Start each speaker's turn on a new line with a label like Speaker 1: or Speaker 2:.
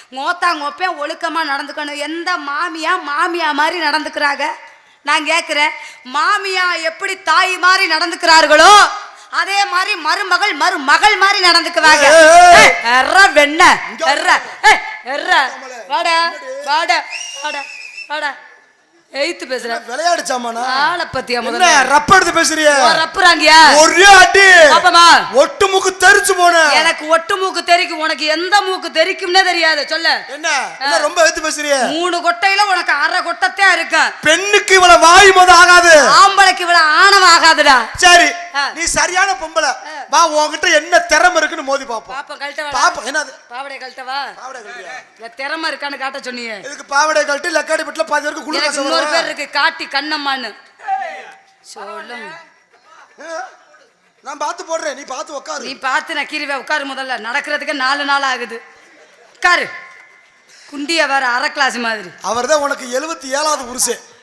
Speaker 1: மோப்பேன் ஒழுக்கமா நடந்துக்கணும். எந்த மாமியா மாதிரி நடந்துக்கிறாங்க. நான் கேட்கிறேன், மாமியா எப்படி தாய் மாதிரி நடந்துக்கிறார்களோ அதே மாதிரி மருமகள் மாதிரி நடந்துக்குவாங்க. வெண்ண எய்த்து பேசுற
Speaker 2: விளையாடு சாமானா
Speaker 1: ஆளை பத்தியா முதல்ல
Speaker 2: ரப்ப எடுத்து பேசுறியா?
Speaker 1: ரப்புறாங்கயா
Speaker 2: ஒரே அடி பாப்பமா. ஒட்டு மூக்கு தெரிச்சு போன.
Speaker 1: எனக்கு ஒட்டு மூக்கு தெரிக்கும், உனக்கு எந்த மூக்கு தெரிக்கும்னே தெரியாது. சொல்ல
Speaker 2: என்ன ரொம்ப எடுத்து பேசுறியா?
Speaker 1: 3 கொட்டையில உனக்கு அரை கொட்டத்தே இருக்கு.
Speaker 2: பெண்ணுக்கு இவ்வளவு வாய் மொத ஆகாது,
Speaker 1: ஆம்பளைக்கு இவ்வளவு ஆணவம் ஆகாதுடா.
Speaker 2: சரி நீ சரியான பொம்பளை, வா உன்கிட்ட என்ன திறமை இருக்குன்னு மோதி பாப்போம்.
Speaker 1: பாப்பா கழட்டவா?
Speaker 2: பாப்பா என்னது
Speaker 1: பாவடை கழட்டவா? பாவடை கழட்டியா? திறமை இருக்கான்னு காட்ட சொன்னீங்க.
Speaker 2: இதுக்கு பாவடை கழட்டி லக்காடி பட்ல பாதி வரைக்கும் குளிர சொல்றேன்.
Speaker 1: இன்னொரு பேர் இருக்கு காட்டி கண்ணம்மான்னு சொல்லுங்க.
Speaker 2: நான் பார்த்து போடுறேன், நீ பார்த்து உட்காரு.
Speaker 1: நீ பார்த்து நான் கீரிவே உட்காரு. முதல்ல நடக்கிறதுக்கு 4 நாள் ஆகுது. உட்காரு. குண்டிய வேற அரை கிளாஸ் மாதிரி.
Speaker 2: அவர்தான் உனக்கு 77வது புருஷன்.